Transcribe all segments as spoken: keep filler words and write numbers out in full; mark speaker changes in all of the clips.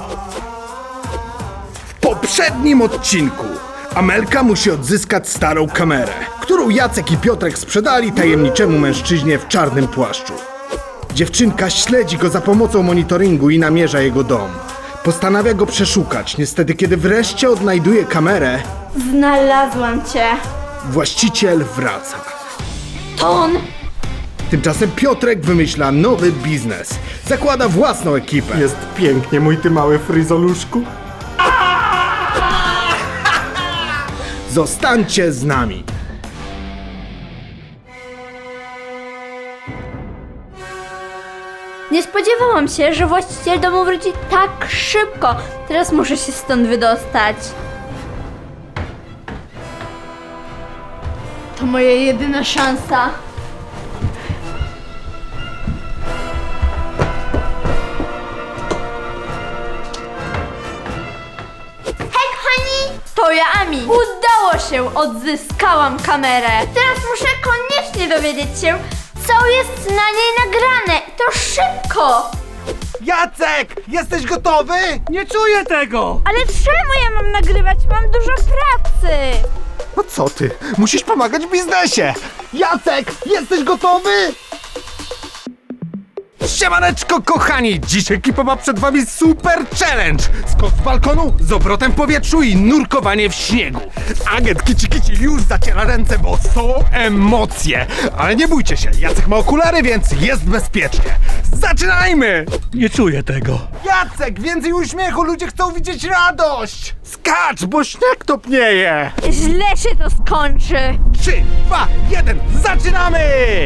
Speaker 1: W poprzednim odcinku Amelka musi odzyskać starą kamerę, którą Jacek i Piotrek sprzedali tajemniczemu mężczyźnie w czarnym płaszczu. Dziewczynka śledzi go za pomocą monitoringu i namierza jego dom. Postanawia go przeszukać, niestety kiedy wreszcie odnajduje kamerę,
Speaker 2: Znalazłam cię.
Speaker 1: właściciel wraca.
Speaker 2: To on.
Speaker 1: Tymczasem Piotrek wymyśla nowy biznes. Zakłada własną ekipę.
Speaker 3: Jest pięknie, mój ty mały fryzoluszku.
Speaker 1: Zostańcie z nami.
Speaker 2: Nie spodziewałam się, że właściciel domu wróci tak szybko. Teraz muszę się stąd wydostać. To moja jedyna szansa. Hej, kochani! To ja, Ami. Udało się! Odzyskałam kamerę. Teraz muszę koniecznie dowiedzieć się, co jest na niej nagrane. To szybko!
Speaker 3: Jacek, jesteś gotowy?
Speaker 4: Nie czuję tego!
Speaker 2: Ale czemu ja mam nagrywać? Mam dużo pracy!
Speaker 3: No co ty? Musisz pomagać w biznesie. Jacek, jesteś gotowy? Siemaneczko kochani! Dziś ekipa ma przed wami super challenge! Skok z balkonu, z obrotem w powietrzu i nurkowanie w śniegu. Agent Kici Kici już zaciera ręce, bo są emocje. Ale nie bójcie się, Jacek ma okulary, więc jest bezpiecznie. Zaczynajmy!
Speaker 4: Nie czuję tego.
Speaker 3: Jacek, więcej uśmiechu, ludzie chcą widzieć radość! Skacz, bo śnieg topnieje!
Speaker 2: Źle się to skończy!
Speaker 3: Trzy, dwa, jeden, zaczynamy!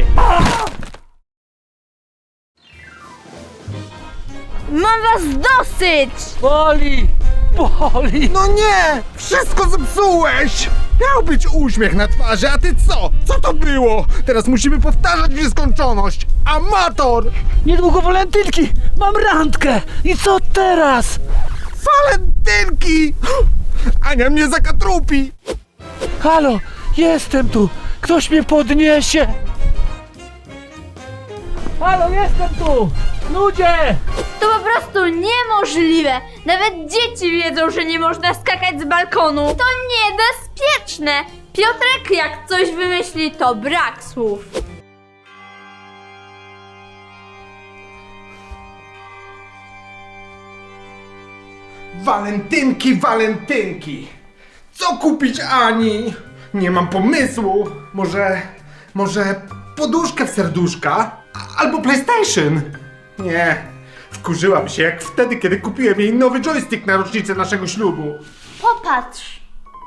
Speaker 2: Mam was dosyć!
Speaker 4: Boli! Boli!
Speaker 3: No nie! Wszystko zepsułeś! Miał być uśmiech na twarzy, a ty co? Co to było? Teraz musimy powtarzać w nieskończoność! Amator!
Speaker 4: Niedługo walentynki! Mam randkę! I co teraz?
Speaker 3: Walentynki! Ania mnie zakatrupi!
Speaker 4: Halo! Jestem tu! Ktoś mnie podniesie! Halo, jestem tu! Ludzie!
Speaker 2: To po prostu niemożliwe! Nawet dzieci wiedzą, że nie można skakać z balkonu! To niebezpieczne! Piotrek jak coś wymyśli, to brak słów!
Speaker 1: Walentynki, walentynki! Co kupić Ani? Nie mam pomysłu. Może... może poduszkę w serduszka? A- Albo PlayStation? Nie. Wkurzyłam się jak wtedy, kiedy kupiłem jej nowy joystick na rocznicę naszego ślubu.
Speaker 2: Popatrz!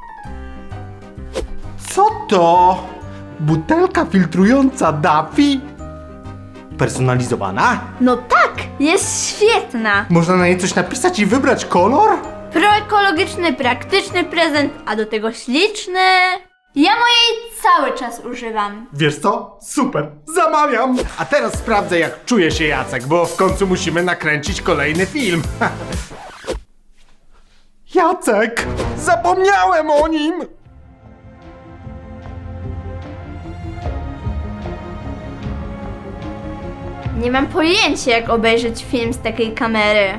Speaker 3: Co to? Butelka filtrująca Daffy? Personalizowana?
Speaker 2: No tak! Jest świetna!
Speaker 3: Można na niej coś napisać i wybrać kolor?
Speaker 2: Proekologiczny, praktyczny prezent, a do tego śliczny... Ja mojej cały czas używam.
Speaker 1: Wiesz co? Super, zamawiam! A teraz sprawdzę, jak czuje się Jacek, bo w końcu musimy nakręcić kolejny film.
Speaker 3: Jacek! Zapomniałem o nim!
Speaker 2: Nie mam pojęcia, jak obejrzeć film z takiej kamery.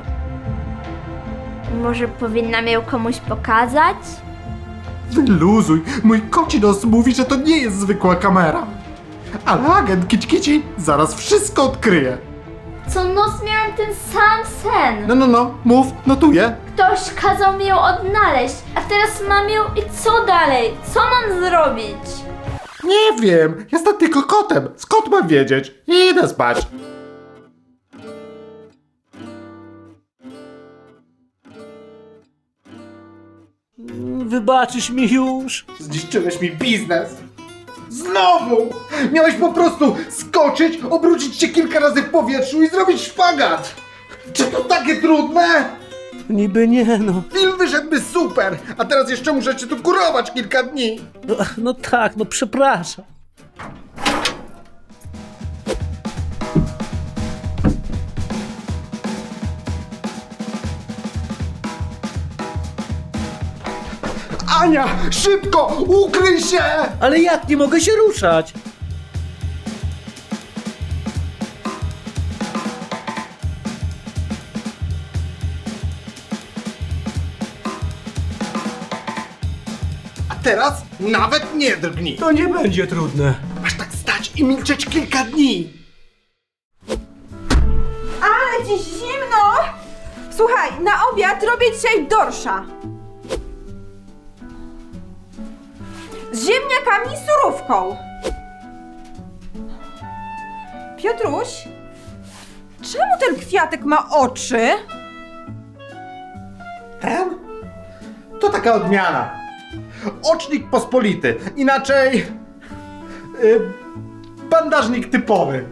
Speaker 2: Może powinnam ją komuś pokazać?
Speaker 3: Wyluzuj, mój koci nos mówi, że to nie jest zwykła kamera. Ale agent Kici Kici zaraz wszystko odkryje.
Speaker 2: Co noc miałam ten sam sen.
Speaker 3: No, no, no, mów, notuję.
Speaker 2: Ktoś kazał mi ją odnaleźć, a teraz mam ją i co dalej? Co mam zrobić?
Speaker 3: Nie wiem, jestem tylko kotem. Skąd mam wiedzieć? Idę spać.
Speaker 4: Wybaczysz mi już?
Speaker 1: Zniszczyłeś mi biznes. Znowu! Miałeś po prostu skoczyć, obrócić się kilka razy w powietrzu i zrobić szpagat! Czy to takie trudne?
Speaker 4: Niby nie no.
Speaker 1: Film wyszedłby super, a teraz jeszcze muszę cię tu kurować kilka dni.
Speaker 4: No, no tak, no przepraszam.
Speaker 1: Ania, szybko, ukryj się!
Speaker 4: Ale jak nie mogę się ruszać?
Speaker 1: teraz nawet nie drgnij.
Speaker 4: To nie będzie trudne.
Speaker 1: Masz tak stać i milczeć kilka dni.
Speaker 5: Ale dziś zimno! Słuchaj, na obiad robię dzisiaj dorsza. Z ziemniakami i surówką. Piotruś, czemu ten kwiatek ma oczy?
Speaker 1: Ten? To taka odmiana. Ocznik pospolity. Inaczej... Yy, bandażnik typowy.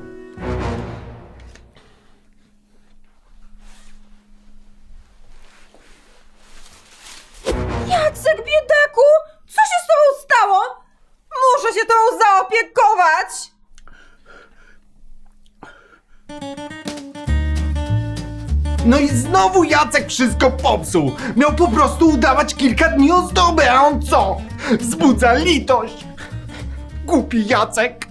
Speaker 5: Jacek, biedaku! Co się z tobą stało? Muszę się tobą zaopiekować!
Speaker 1: No i znowu Jacek wszystko popsuł. Miał po prostu udawać kilka dni ozdoby, a on co? Wzbudza litość. Głupi Jacek.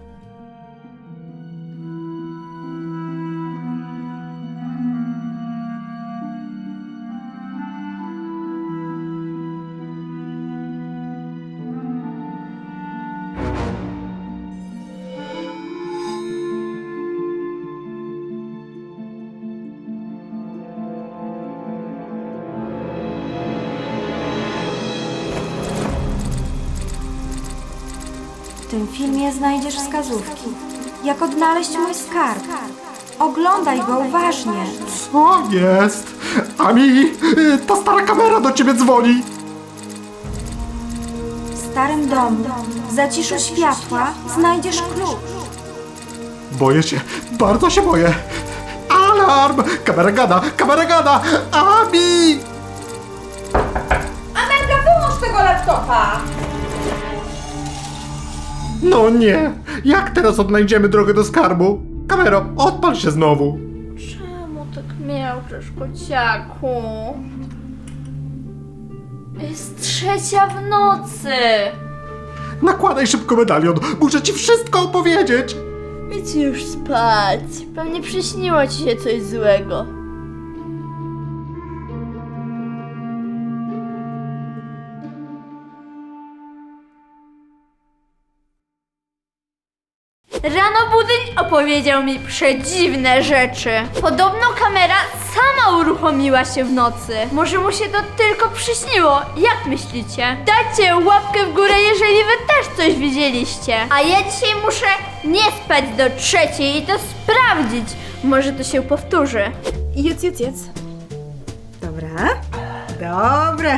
Speaker 6: W tym filmie znajdziesz wskazówki, jak odnaleźć mój skarb. Oglądaj go uważnie.
Speaker 1: Co jest? Ami, y, ta stara kamera do ciebie dzwoni.
Speaker 6: W starym domu, w zaciszu światła, znajdziesz klucz.
Speaker 1: Boję się, bardzo się boję. Alarm! Kamera gada, kamera gada! Ami!
Speaker 5: Amelka, wyłącz tego laptopa!
Speaker 1: No nie! Jak teraz odnajdziemy drogę do skarbu? Kamero, odpal się znowu.
Speaker 2: Czemu tak miałczysz, kociaku? Jest trzecia w nocy.
Speaker 1: Nakładaj szybko medalion, muszę ci wszystko opowiedzieć.
Speaker 2: Idź już spać. Pewnie przyśniło ci się coś złego. Rano budyń opowiedział mi przedziwne rzeczy. Podobno kamera sama uruchomiła się w nocy. Może mu się to tylko przyśniło. Jak myślicie? Dajcie łapkę w górę, jeżeli wy też coś widzieliście. A ja dzisiaj muszę nie spać do trzeciej i to sprawdzić. Może to się powtórzy.
Speaker 5: Jedz, jedz, jedz. Dobra. Dobre.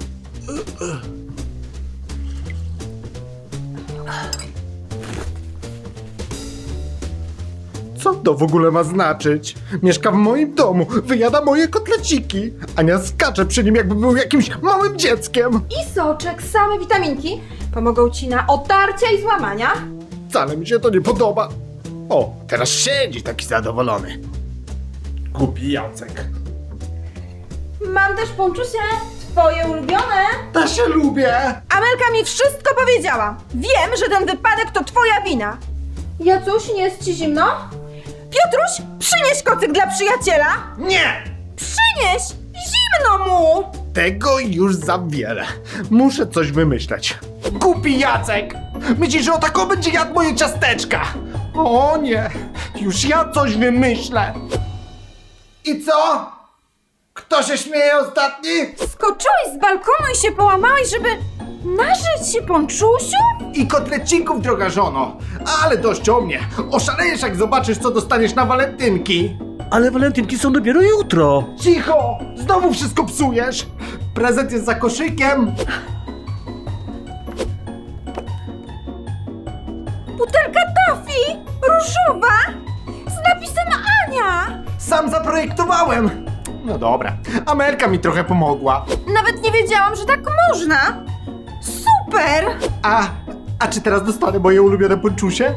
Speaker 1: Co to w ogóle ma znaczyć? Mieszka w moim domu, wyjada moje kotleciki. Ania skacze przy nim, jakby był jakimś małym dzieckiem.
Speaker 5: I soczek, same witaminki pomogą ci na otarcia i złamania.
Speaker 1: Wcale mi się to nie podoba. O, teraz siedzi taki zadowolony. Głupi Jacek.
Speaker 5: Mam też ponczusie, twoje ulubione.
Speaker 1: Ta się lubię.
Speaker 5: Amelka mi wszystko powiedziała. Wiem, że ten wypadek to twoja wina. Jacuś, nie jest ci zimno? Piotruś, przynieś kocyk dla przyjaciela.
Speaker 1: Nie!
Speaker 5: Przynieś! Zimno mu!
Speaker 1: Tego już za wiele. Muszę coś wymyśleć. Głupi Jacek! Myślisz, że o taką będzie jadł moje ciasteczka? O nie! Już ja coś wymyślę. I co? Kto się śmieje ostatni?
Speaker 5: Skoczyłeś z balkonu i się połamałeś, żeby nażyć się ponczusiu?
Speaker 1: I kotlecinków, droga żono. Ale dość o mnie. Oszalejesz, jak zobaczysz, co dostaniesz na walentynki.
Speaker 4: Ale walentynki są dopiero jutro.
Speaker 1: Cicho! Znowu wszystko psujesz. Prezent jest za koszykiem.
Speaker 5: Butelka toffee! Różowa! Z napisem Ania!
Speaker 1: Sam zaprojektowałem. No dobra. Amelka mi trochę pomogła.
Speaker 5: Nawet nie wiedziałam, że tak można! Super!
Speaker 1: A, a czy teraz dostanę moje ulubione ponczusie?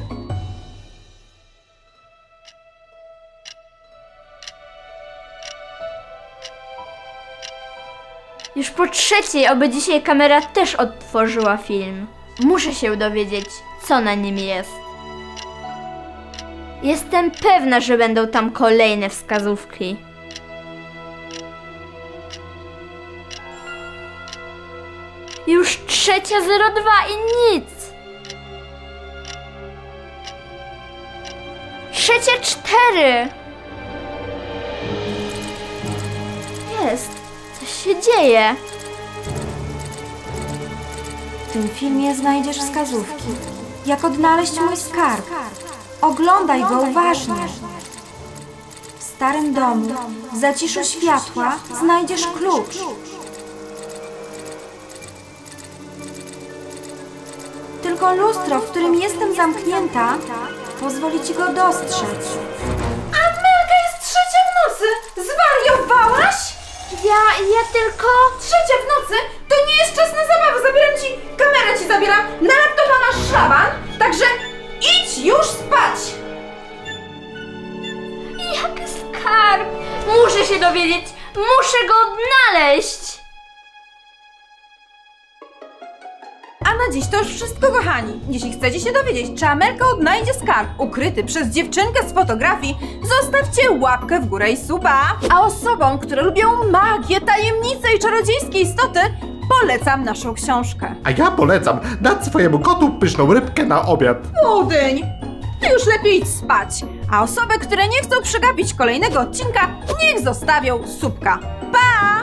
Speaker 2: Już po trzeciej, oby dzisiaj kamera też odtworzyła film. Muszę się dowiedzieć, co na nim jest. Jestem pewna, że będą tam kolejne wskazówki. Już trzecia zero dwa i nic. Trzecia cztery. Jest. Coś się dzieje.
Speaker 6: W tym filmie znajdziesz wskazówki, jak odnaleźć mój skarb. Oglądaj go uważnie. W starym domu, w zaciszu światła, znajdziesz klucz. Tylko lustro, w którym jestem zamknięta, pozwoli ci go dostrzec.
Speaker 5: Amelka jest trzecia w nocy! Zwariowałaś?
Speaker 2: Ja, ja tylko...
Speaker 5: Trzecia w nocy? To nie jest czas na zabawę. Zabieram ci, kamerę ci zabieram, na laptopa masz szlaban, także idź już spać!
Speaker 2: Jak skarb! Muszę się dowiedzieć! Muszę go odnaleźć!
Speaker 5: A na dziś to już wszystko, kochani. Jeśli chcecie się dowiedzieć, czy Amelka odnajdzie skarb ukryty przez dziewczynkę z fotografii, zostawcie łapkę w górę i suba. A osobom, które lubią magię, tajemnice i czarodziejskie istoty, polecam naszą książkę.
Speaker 7: A ja polecam dać swojemu kotu pyszną rybkę na obiad.
Speaker 5: Budyń! Ty już lepiej idź spać. A osoby, które nie chcą przegapić kolejnego odcinka, niech zostawią subka. Pa!